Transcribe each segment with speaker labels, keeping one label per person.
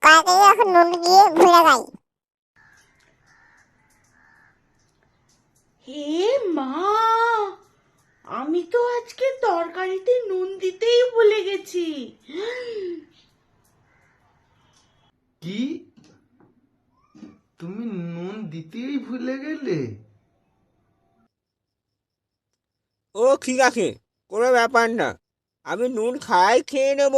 Speaker 1: তাড়াতাড়ি এখন নুন দিয়ে ভুলে যাই।
Speaker 2: হে মা, আমি তো আজকে তরকারিতে নুন দিতেই ভুলে গেছি।
Speaker 3: কি, তুমি নুন দিতেই ভুলে গেলে?
Speaker 4: ও ঠিক আছে, কোনো ব্যাপার না, আমি নুন খাই, খেয়ে নেবো।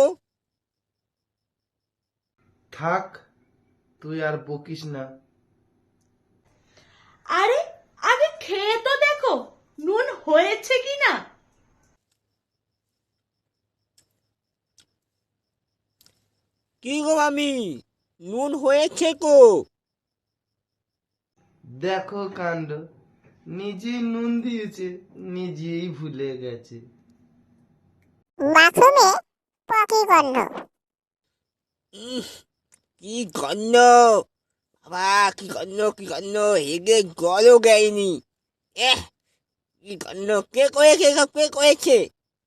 Speaker 3: থাক, তুই আর বকিস না।
Speaker 2: আরে আগে খেয়ে তো দেখো নুন হয়েছে কিনা।
Speaker 4: কি গো মামি, নুন হয়েছে কো?
Speaker 3: দেখো কাণ্ড, নিজেই নুন দিয়েছে, নিজেই ভুলে গেছে।
Speaker 1: বাথরুমে পকি গন্ধ।
Speaker 4: কি গন্ধ! বাবা, কি গন্ধ, কি গন্ধ! হেগে জলও দেয়নি। এহ, কি গন্ধ! কে করেছে সব, কে করেছে?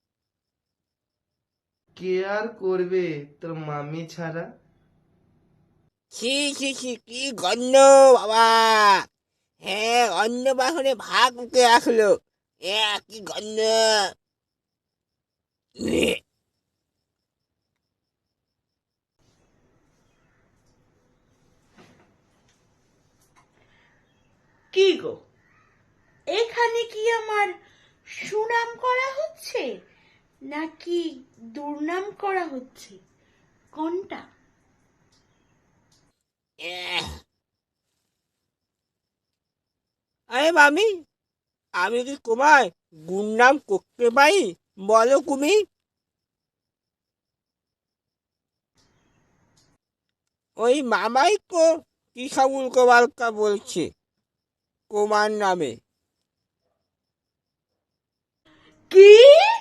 Speaker 3: কে আর করবে তোর মামি ছাড়া?
Speaker 4: ছি ছি ছি, কি গন্ধ বাবা! হ্যাঁ, অন্য বাসনে ভাগ উঠে আসলো। কি গন্ধ! উহ,
Speaker 2: কি গো, এখানে কি আমার সুনাম করা হচ্ছে নাকি দুর্নাম করা হচ্ছে, কোনটা?
Speaker 4: এহ। আরে মামি, আমি কি তোমায় গুণনাম করতে পারি? বলো তুমি। ওই মামাই তো কি সব উল্টো পাল্টা বলছে তোমার নামে।
Speaker 2: কি?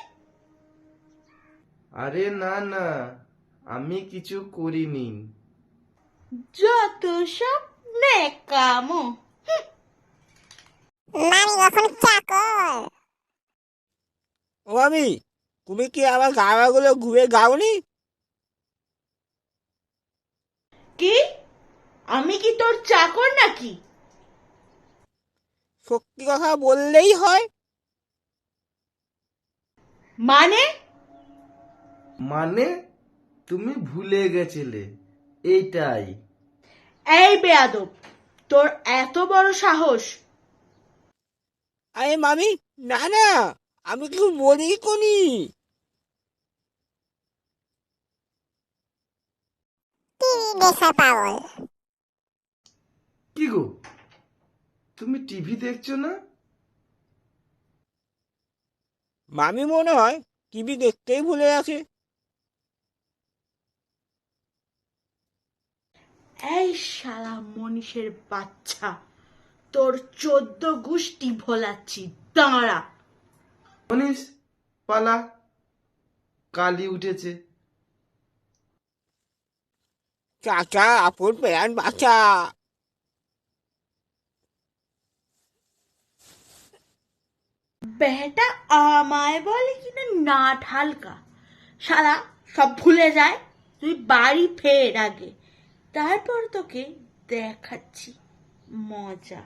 Speaker 3: আরে না না, আমি কিছু করিনি।
Speaker 2: যত সব নেকামো।
Speaker 1: মামি কখন চাকর।
Speaker 4: ও মামি, তুমি কি আমার গাওয়াগুলো ঘুরে গাওনি?
Speaker 2: কি, আমি কি তোর চাকর নাকি?
Speaker 4: সত্যি কথা বললেই হয়।
Speaker 2: মানে?
Speaker 3: মানে তুমি ভুলে গেছিলে, এইটাই।
Speaker 2: এই বেয়াদব, তোর এত বড় সাহস!
Speaker 4: আরে মামি, না না, আমি কিছু বলি কোনি।
Speaker 1: টিভি দেখার পাগল।
Speaker 3: কি গো, তুমি টিভি দেখছো না?
Speaker 4: মামি মনে হয় টিভি দেখতেই ভুলে গেছে।
Speaker 2: এই শালা মনীষের বাচ্চা, তোর 14 গোষ্ঠী ভোলাচ্ছি, দাঁড়া।
Speaker 3: মনীষ, পালা, কালি উঠেছে।
Speaker 4: চাচা, আপন প্যান বাচ্চা।
Speaker 2: বেটা আমায় বলে কিনা নাট হালকা, শালা সব ভুলে যায়। তুই বাড়ি ফের আগে, তারপর তোকে দেখাচ্ছি মজা।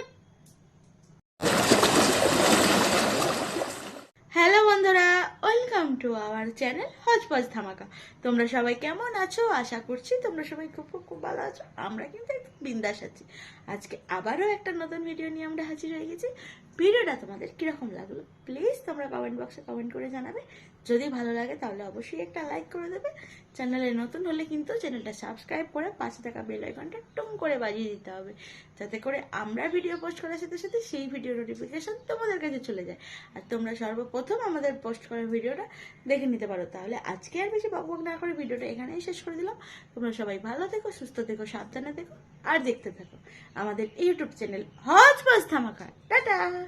Speaker 2: হ্যালো বন্ধুরা, welcome to our channel Hojpoj Dhamaka. তোমরা সবাই কেমন আছো? আশা করছি তোমরা সবাই খুব খুব খুব ভালো আছো। আমরা কিন্তু একটু বিন্দাস আছি। আজকে আবারও একটা নতুন ভিডিও নিয়ে আমরা হাজির হয়ে গেছি। ভিডিওটা তোমাদের কিরকম লাগলো প্লিজ তোমরা কমেন্ট বক্সে কমেন্ট করে জানাবে। যদি ভালো লাগে তাহলে অবশ্যই একটা লাইক করে দেবে। চ্যানেলে নতুন হলে কিন্তু চ্যানেলটা সাবস্ক্রাইব করে পাশে থাকা বেল আইকনটা টুম করে বাজিয়ে দিতে হবে, যাতে করে আমরা ভিডিও পোস্ট করার সাথে সাথে সেই ভিডিও নোটিফিকেশন তোমাদের কাছে চলে যায় আর তোমরা সর্বপ্রথম আমাদের পোস্ট করা ভিডিওটা দেখে নিতে পারো। তাহলে আজকে আর বেশি বকবক না করে ভিডিওটা এখানেই শেষ করে দিলাম। তোমরা সবাই ভালো থেকো, সুস্থ থেকো, সাবধানে থেকো আর দেখতে থাকো আমাদের ইউটিউব চ্যানেল হজপজ ধামাকা। টাটা।